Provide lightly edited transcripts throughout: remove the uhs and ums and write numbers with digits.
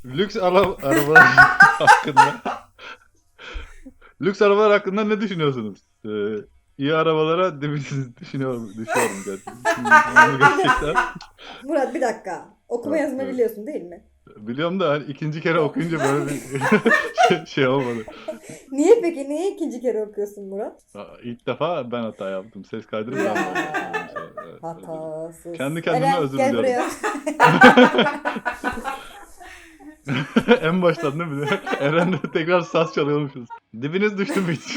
Lüks arabalar hakkında lüks arabalar hakkında ne düşünüyorsunuz? İyi arabalara dibiniz düşüyorum gerçekten. Onu gerçekten. Murat bir dakika. Okuma Evet, yazma evet. biliyorsun değil mi? Biliyorum da hani ikinci kere okuyunca böyle bir şey olmadı. Niye peki? Niye ikinci kere okuyorsun Murat? İlk defa ben hata yaptım. Ses kaydını ben Ya başlattım. Evet, özür dilerim. hatasız. Kendi kendime Eren özür gel diliyorum. buraya. En baştan değil mi? Eren'le tekrar saz çalıyormuşuz. Dibiniz düştü mü hiç?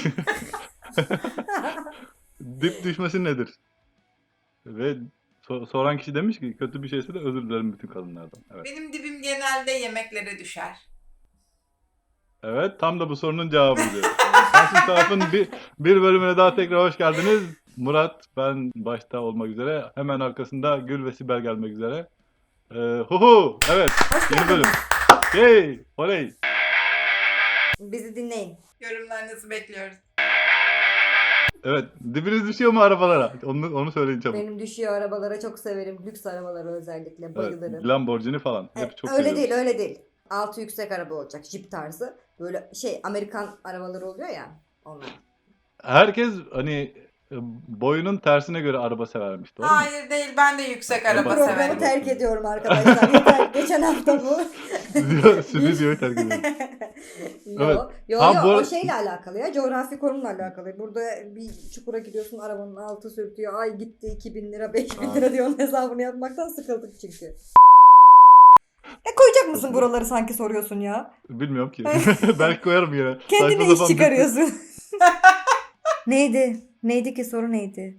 Dip düşmesi nedir? Ve soran kişi demiş ki kötü bir şeyse de özür dilerim bütün kadınlardan. Evet. Benim dibim genelde yemeklere düşer. Evet, tam da bu sorunun cevabıydı. Sensiz Taraf'ın bir bölümüne daha tekrar hoş geldiniz. Murat, ben başta olmak üzere. Hemen arkasında Gül ve Sibel gelmek üzere. Evet, Hoş yeni bölüm. geldiniz. Yay, oley. Bizi dinleyin. Yorumlarınızı bekliyoruz. Evet, dibiniz düşüyor mu arabalara? Onu söyleyin çabuk. Benim düşüyor arabalara çok severim. Lüks arabalara özellikle Evet, bayılırım. Lamborghini falan. Hep çok Öyle seviyorum. değil, öyle değil. Altı yüksek araba olacak, Jeep tarzı. Böyle Amerikan arabaları oluyor ya. Onlar. Herkes hani boyunun tersine göre araba severmiş, doğru mu? Hayır değil, ben de yüksek Bu araba Programı severim. terk ediyorum arkadaşlar. Yeter. Geçen hafta bu. Stüdyoyu terk ediyorum. Yo, Evet. yo, Ha, yo, bu o ara- şeyle alakalı ya. Coğrafi konumla alakalı. Burada bir çukura gidiyorsun, arabanın altı sürtüyor. Ay gitti 2000 lira, 5000 Ha. lira diyor. Onun hesabını yapmaktan sıkıldık çünkü. Koyacak mısın buraları sanki soruyorsun ya? Bilmiyorum ki. Belki koyarım yine. Kendine Saçma iş sapan çıkarıyorsun. Neydi? Neydi ki soru neydi?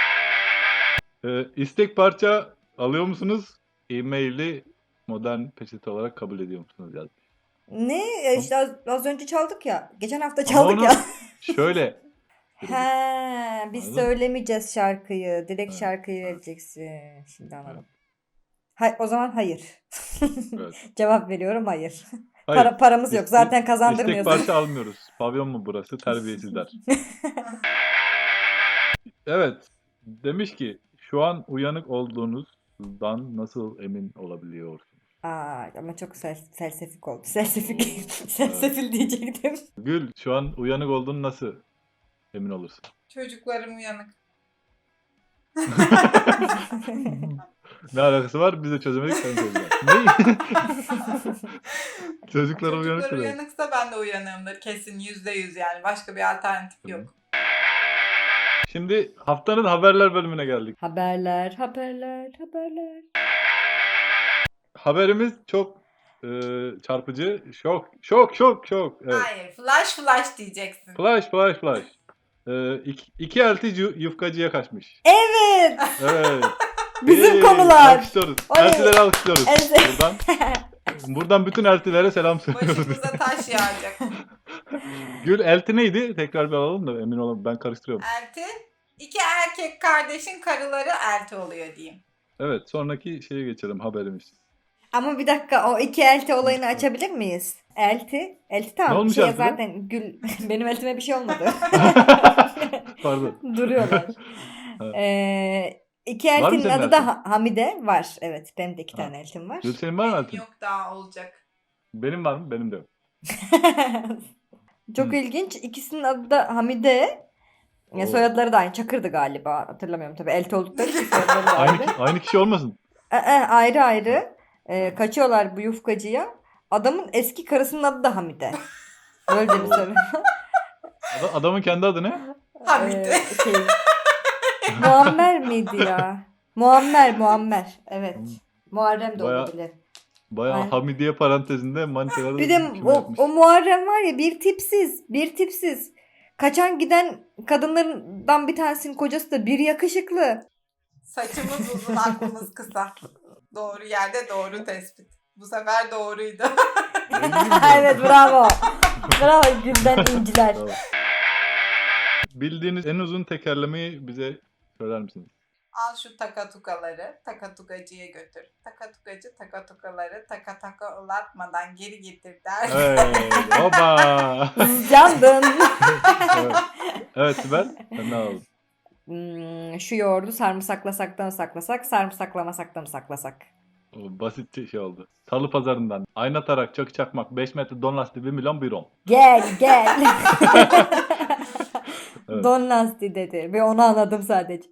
istek parça alıyor musunuz? E-maili modern peçete olarak kabul ediyor musunuz? Yazmış. Ne? İşte az önce çaldık ya. Geçen hafta Ama çaldık onu ya. şöyle. He, biz Anladın mı? söylemeyeceğiz şarkıyı. Direkt Evet. şarkıyı vereceksin. Şimdi anladım. O zaman hayır. Evet. Cevap veriyorum hayır. Hayır. Paramız yok. Zaten İstek kazandırmıyorsun. parça almıyoruz. Pavyon mu burası? Terbiyesizler. Evet. Demiş ki şu an uyanık olduğunuzdan nasıl emin olabiliyorsunuz? Ama çok selsefik oldu. Selsefik. Selsefil diyecektim. Gül, şu an uyanık olduğunu nasıl emin olursun? Çocuklarım uyanık. Ne alakası var? Biz de çözemedik, sen çözeceksin. Ne? Çocuklar uyanık Çocuklar demek. uyanıksa ben de uyanığımdır. Kesin %100 yani. Başka bir alternatif yok. Şimdi haftanın haberler bölümüne geldik. Haberler. Haberimiz çok çarpıcı. Şok. Evet. Hayır. Flash diyeceksin. Flash. İki elti yufkacıya kaçmış. Evet. Evet. Bizim konular. Alkışlıyoruz. Oley. Eltileri alkışlıyoruz. Evet. Buradan bütün eltilere selam söylüyoruz. Başımıza taş yağacak. Gül, elti neydi? Tekrar bir alalım da emin olalım. Ben karıştırıyorum. Elti. İki erkek kardeşin karıları elti oluyor diyeyim. Evet, sonraki şeye geçelim, haberimiz. Ama bir dakika, o iki elti olayını açabilir miyiz? Elti Ne tamam. olmuş Şeye eltide? zaten benim eltime bir şey olmadı. Pardon. Duruyorlar. İki Var mı eltinin senin adı da eltin? Hamide var. Evet, benim de iki Ha. tane eltim var. Gül, senin var mı Benim eltin? yok, daha olacak. Benim var mı? Benim de yok. Çok ilginç. İkisinin adı da Hamide. Oo. Soyadları da aynı. Çakır'dı galiba. Hatırlamıyorum tabii. Elti oldukları için soyadları da ayrı. Aynı kişi olmasın? Ayrı ayrı. Kaçıyorlar bu yufkacıya. Adamın eski karısının adı da Hamide. Böyle de bir soru. Adamın kendi adı ne? Hamide. Muammer miydi ya? Muammer. Evet. Muharrem de Bayağı- olabilir. Bayağı Aynen. Hamidiye parantezinde manitaları Bir de küme yapmış. o Muharrem var ya, bir tipsiz. Kaçan giden kadınlardan bir tanesinin kocası da bir yakışıklı. Saçımız uzun, aklımız kısa. Doğru yerde doğru tespit. Bu sefer doğruydu. Evet, bravo. Bravo, Gülden inciler. Tamam. Bildiğiniz en uzun tekerlemeyi bize söyler misiniz? Al şu takatukaları takatukacıya götür. Takatukacı takatukaları taka ulatmadan geri getir der. Hey, baba. Yandın. Evet. Evet Sibel, sen ne aldın? Şu yoğurdu sarımsaklasak da mı saklasak, sarımsaklamasak da mı saklasak? O basit şey oldu. Salı pazarından. Ayna tarak, çakı çakmak, 5 metre don lastiği 1 milyon 1 on. Gel gel. Evet. Don lastiği dedi ve onu anladım sadece.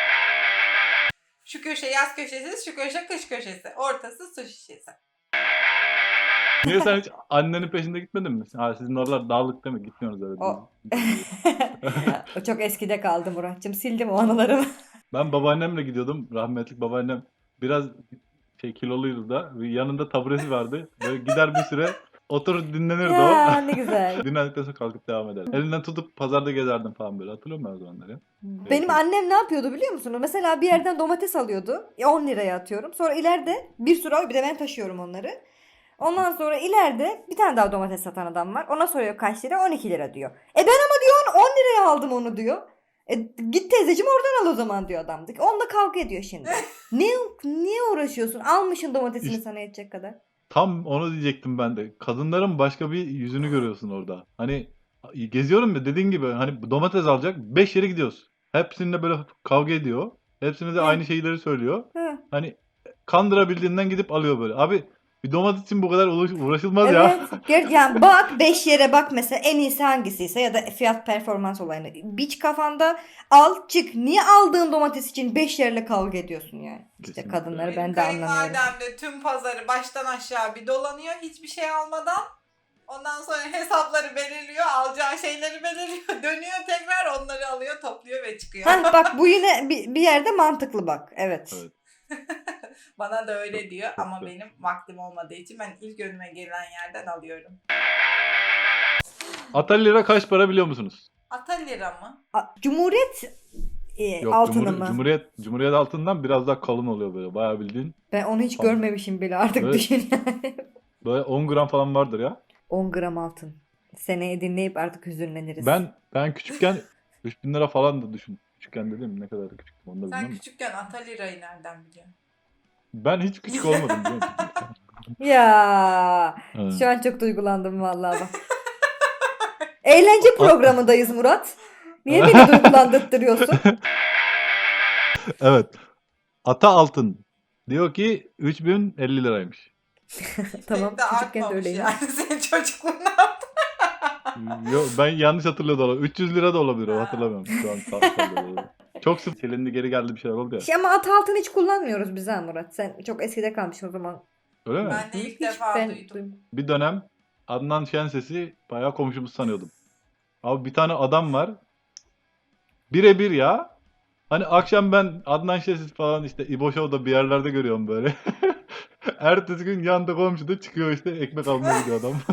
Şu köşe yaz köşesi, şu köşe kış köşesi. Ortası su şişesi. Niye sen hiç annenin peşinde gitmedin mi? Ha, sizin oralar dağlık değil mi? Gitmiyorsunuz öyle. O. O çok eskide kaldı Muratcığım. Sildim o anılarımı. Ben babaannemle gidiyordum. Rahmetlik babaannem biraz kiloluydu da. Yanında taburesi vardı. Böyle gider bir süre oturur dinlenirdi Ya o. ne güzel. Dinlendikten sonra kalkıp devam eder. Elinden tutup pazarda gezerdim falan böyle. Hatırlıyor musun o zamanları? Benim annem ne yapıyordu biliyor musunuz? Mesela bir yerden domates alıyordu. 10 liraya atıyorum. Sonra ileride bir sürü bir de ben taşıyorum onları. Ondan sonra ileride bir tane daha domates satan adam var. Ona soruyor kaç lira? 12 lira diyor. Ben ama diyor 10 liraya aldım onu diyor. Git teyzeciğim oradan al o zaman diyor adam. Onunla kavga ediyor şimdi. Niye uğraşıyorsun? Almışın domatesini İşte- sana yetecek kadar. Tam onu diyecektim ben de. Kadınların başka bir yüzünü görüyorsun orada. Hani geziyorum ya dediğin gibi hani domates alacak 5 yere gidiyoruz. Hepsinde böyle kavga ediyor. Hepsine de Hı. aynı şeyleri söylüyor. Hı. Hani kandırabildiğinden gidip alıyor böyle. Abi bir domates için bu kadar uğraşılmaz ya. Evet. Yani bak 5 yere bak mesela en iyisi hangisiyse ya da fiyat performans olayını. Biç kafanda al çık. Niye aldığın domates için 5 yerle kavga ediyorsun yani? İşte Kesinlikle. kadınları Benim ben de anlamıyorum. kayınvalidem de tüm pazarı baştan aşağı bir dolanıyor. Hiçbir şey almadan. Ondan sonra hesapları belirliyor. Alacağı şeyleri belirliyor. Dönüyor tekrar onları alıyor, topluyor ve çıkıyor. Heh, bak bu yine bir yerde mantıklı bak. Evet. Evet. Bana da öyle Çok- diyor çok ama güzel. benim vaktim olmadığı için ben ilk önüme gelen yerden alıyorum. Atalira kaç para biliyor musunuz? Ata lira mı? Cumhuriyet Yok, altını mı? Cumhuriyet altından biraz daha kalın oluyor böyle. Bayağı bildiğin. Ben onu hiç Tamam. görmemişim bile artık Evet. düşün yani. Böyle 10 gram falan vardır ya. 10 gram altın. Seneye dinleyip artık hüzünleniriz. Ben küçükken 3000 lira falan da düşün. Küçükken dedim ne kadar da küçüktüm onu da Sen bilmem. küçükken ata lirayı nereden biliyorsun? Ben hiç küçük olmadım biliyor musun? Ya Evet. şu an çok duygulandım vallahi bak. Eğlence programındayız Murat. Niye beni duygulandırtıyorsun? Evet. Ata altın diyor ki 3050 liraymış. Tamam Pek de küçükken de artmamış öyleymiş. yani senin çocukluğunda. Yok, ben yanlış hatırlıyordum. 300 lira da olabilir o Ha. hatırlamıyorum. Şu an sallıyor. Çok sık silindi geri geldi bir şeyler oldu ya. Ama at altın hiç kullanmıyoruz biz ha Murat. Sen çok eskide kalmışsın o zaman. Öyle mi? Ben de ilk Hiç defa ben duydum. Bir dönem Adnan Şenses'i bayağı komşumuz sanıyordum. Abi bir tane adam var. Birebir ya. Hani akşam ben Adnan Şenses falan işte İbo Show'da bir yerlerde görüyorum böyle. Ertesi gün yanda komşuda çıkıyor işte ekmek almaya gidiyor adam.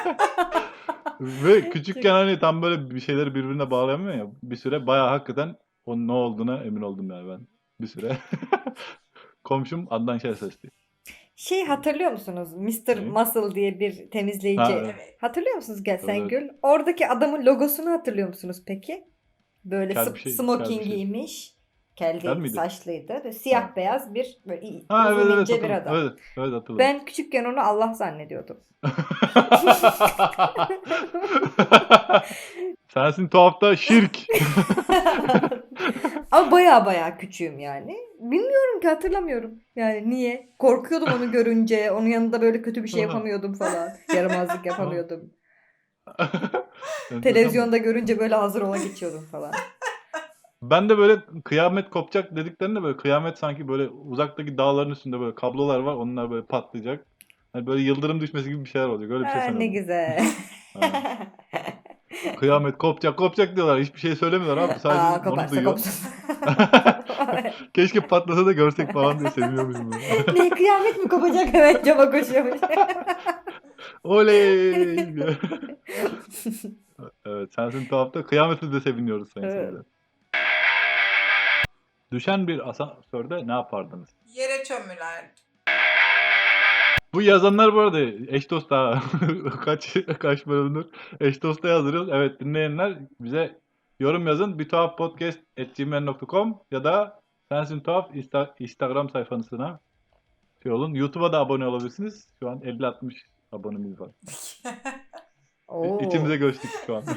Ve küçükken hani tam böyle bir şeyleri birbirine bağlayamıyor ya. Bir süre bayağı hakikaten onun ne olduğuna emin oldum yani ben. Bir süre. Komşum Adnan Şenses'ti. Hatırlıyor musunuz? Mr. Ne? Muscle diye bir temizleyici. Ha, evet. Evet. Hatırlıyor musunuz Sen Evet. Gül? Oradaki adamın logosunu hatırlıyor musunuz peki? Böyle Kel bir şey, smoking kel bir şey. giymiş. Kel Kel değil, miydi? saçlıydı. Böyle siyah Ha. beyaz bir böyle Ha uzun evet evet ince bir hatırladım. adam. Evet, evet hatırladım. Ben küçükken onu Allah zannediyordum. Sensin tuhafta şirk. Ama baya küçüğüm yani. Bilmiyorum ki hatırlamıyorum. Yani niye? Korkuyordum onu görünce. Onun yanında böyle kötü bir şey yapamıyordum falan. Yaramazlık yapamıyordum. Televizyonda görünce böyle hazır ola geçiyordum falan. Ben de böyle kıyamet kopacak dediklerinde böyle kıyamet sanki böyle uzaktaki dağların üstünde böyle kablolar var. Onlar böyle patlayacak. Hani böyle yıldırım düşmesi gibi bir şeyler olacak. Öyle bir şey Ha, ne sanıyordum. güzel. Kıyamet kopacak diyorlar. Hiçbir şey söylemiyorlar abi. Sadece Aa, onu koparsa duyuyor. kopsun. Keşke patlasa da görsek falan diye seviniyormuşum. Böyle. Ne kıyamet mi kopacak hemen cama koşuyormuş. Oley! Evet, sensin tuhafta kıyameti de seviniyoruz sayın Evet. seyirciler. Düşen bir asansörde ne yapardınız? Yere çömülerdi. Bu yazanlar bu arada eş dost daha kaç bölümdür eş dosta yazdırıyoruz. Evet dinleyenler bize yorum yazın. bituhaffpodcast@gmail.com ya da Sensin Tuhaf Instagram sayfasına şey olun. YouTube'a da abone olabilirsiniz. Şu an 50-60 abonemiz var. Oo. İçimize göçtük şu an.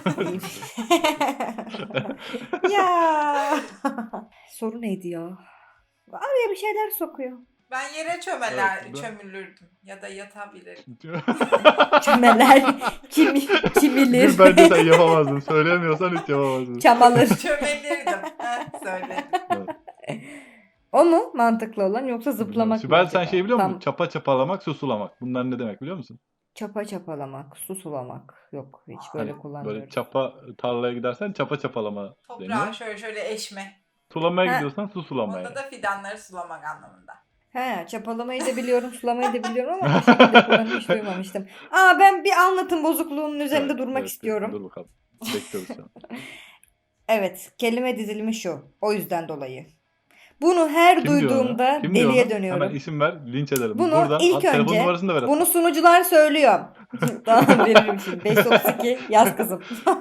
Ya. Soru neydi ya? Araya bir şeyler sokuyor. Ben yere Evet, bu da- çömülürdüm ya da yatabilirdim. Çömeler. Kimilir. Gül bence sen yapamazdın. Söyleyemiyorsan hiç yapamazdın. Çamalır. Çömelirdim. Söyledim. Evet. O mu mantıklı olan yoksa zıplamak mı Sibel sen acaba? şey biliyor musun? Tam Çapa çapalamak, susulamak. Bunlar ne demek biliyor musun? çapa çapalamak, su sulamak. Yok hiç böyle Hani kullanmıyorum. böyle çapa tarlaya gidersen çapa çapalama Toprağı deniyor. şöyle eşme. Sulamaya Ha. gidiyorsan su sulamaya. Onda da fidanları sulamak anlamında. He, çapalamayı da biliyorum, sulamayı da biliyorum ama o şekilde kullanımı hiç duymamıştım. Ben bir anlatım bozukluğunun üzerinde Evet, durmak evet, istiyorum. Dur bakalım. Bekliyoruz şu an. Evet, kelime dizilimi şu. O yüzden dolayı. Bunu her Kim diyor duyduğumda onu? Kim diyor deliye onu? dönüyorum. Hemen isim ver, linç edelim. Bunu Buradan ilk telefon önce numarasını da ver. bunu sunucular söylüyor. Tamam veririm şimdi. 532 yaz kızım.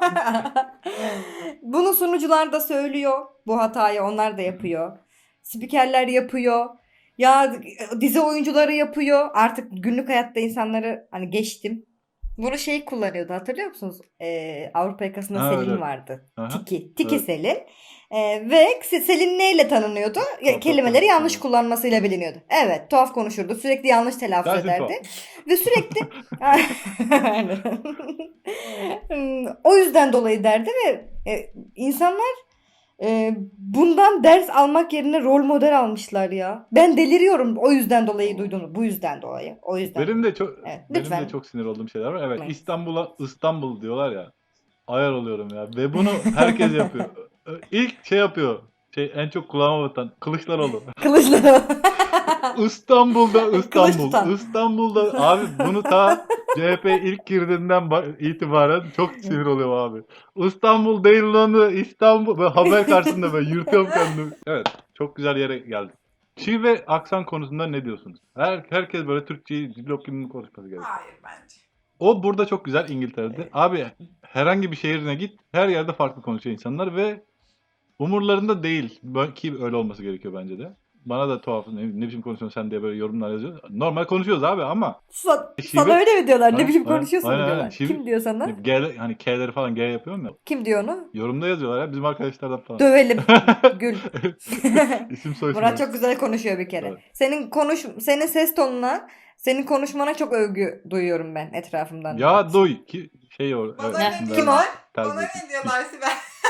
Bunu sunucular da söylüyor. Bu hatayı onlar da yapıyor. Spikerler yapıyor. Ya dizi oyuncuları yapıyor. Artık günlük hayatta insanları hani geçtim. Bunu şey kullanıyordu hatırlıyor musunuz? Avrupa yakasında Ha, Selin evet. vardı. Aha. Tiki Evet. Selin. Ve Selin neyle tanınıyordu? Tuhaf Kelimeleri konuşurdu. yanlış kullanmasıyla biliniyordu. Evet, tuhaf konuşurdu. Sürekli yanlış telaffuz Sensin ederdi. tuhaf. Ve sürekli Aynen. O yüzden dolayı derdi ve insanlar bundan ders almak yerine rol model almışlar ya. Ben deliriyorum o yüzden dolayı duyduğunu. Bu yüzden dolayı. O yüzden. Benim de çok Evet, benim lütfen. de çok sinir olduğum şeyler var. Evet, Evet. İstanbul'a İstanbul diyorlar ya. Ayar oluyorum ya. Ve bunu herkes yapıyor. İlk şey yapıyor. En çok kulağıma batan Kılıçdaroğlu. Kılıçdaroğlu. İstanbul'da Kılıç İstanbul. tutan. İstanbul'da abi bunu ta CHP ilk girdiğinden itibaren çok sinir oluyorum abi. İstanbul değil lan İstanbul. Böyle haber karşısında böyle yırtıyorum kendimi. Evet, çok güzel yere geldik. Şive ve aksan konusunda ne diyorsunuz? Herkes böyle Türkçeyi dillok gibi konuşması gerekiyor. Hayır bence. O burada çok güzel İngiltere'de. Abi herhangi bir şehrine git, her yerde farklı konuşuyor insanlar ve umurlarında değil. Ki öyle olması gerekiyor bence de. Bana da tuhaf ne biçim konuşuyorsun sen diye böyle yorumlar yazıyor. Normal konuşuyoruz abi ama Sana öyle mi diyorlar? Ne Aynen, biçim aynen, konuşuyorsun mu aynen, diyorlar? aynen. Kim diyor sana? G, hani K'leri falan G yapıyorum ya. Kim diyor onu? Yorumda yazıyorlar ya bizim arkadaşlardan falan. Dövelim. Gül. İsim soy isim. Murat çok güzel konuşuyor bir kere. Evet. Senin ses tonuna, senin konuşmana çok övgü duyuyorum ben etrafımdan. Ya duy ki şey o. Bana Ne? ne Kim diyorlar? o? Bana Terbiyesiz. ne diyorlar Sibel?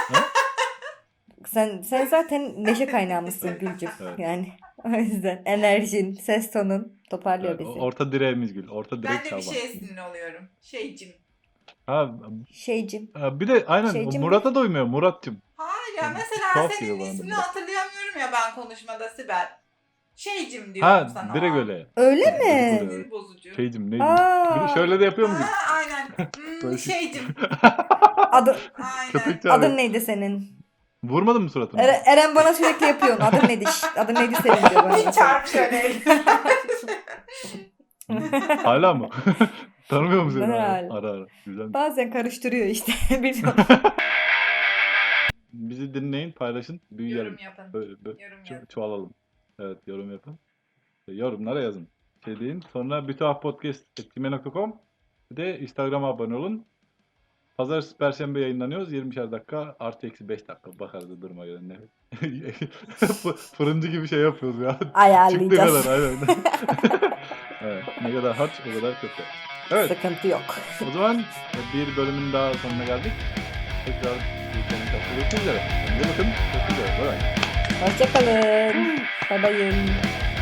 Sen zaten neşe kaynağımızsın Gülcüm. Evet. Yani o yüzden enerjin, ses tonun toparlıyor Evet, bizi. orta direğimiz Gül. Orta direk Ben de bir Şaban. şeye sinir oluyorum. Şeycim. Ha, Şeycim. bir de aynen Şeycim Murat'a doymuyor Murat'cığım. Hayır ya Yani mesela tuhaf senin geliyor bana da ismini biraz. hatırlayamıyorum ya ben konuşmada Sibel. Şeycim diyorum Ha sana. direkt öyle. Öyle Direkt mi? öyle. Sinir bozucu. Şeycim neydi? Aa. Bir de şöyle de yapıyor mu? Ha, aynen. Böyle şey- Şeycim. Aynen. Köpek çağırıyor. Adın neydi senin? Vurmadın mı suratını? Eren bana sürekli yapıyor. Adın neydi? Adın neydi senin diyor bana. Bir çarp şöyle. Hala mı? Tanımıyor musun seni? Herhalde. Ara. Güzel. Bazen karıştırıyor işte. Bizi dinleyin, paylaşın, büyüyelim. Yorum yapın. Böyle Yorum yapın. çoğalalım. Evet, yorum yapın. Yorumlara yazın. Şey deyin. Sonra bütühafpodcast@gmail.com bir de Instagram'a abone olun. Pazartesi, Perşembe yayınlanıyoruz. 20'şer dakika artı eksi 5 dakika. Bakarız duruma göre. Ne? Fırıncı gibi şey yapıyoruz ya. Çıktığı Ayarlayacağız. kadar aynen. Evet, ne kadar harç o kadar kötü. Evet. Sıkıntı yok. O zaman bir bölümün daha sonuna geldik. Tekrar görüşmek üzere. Kendinize bakın. Görüşmek üzere. Bye bye. Hoşçakalın. Bye bye.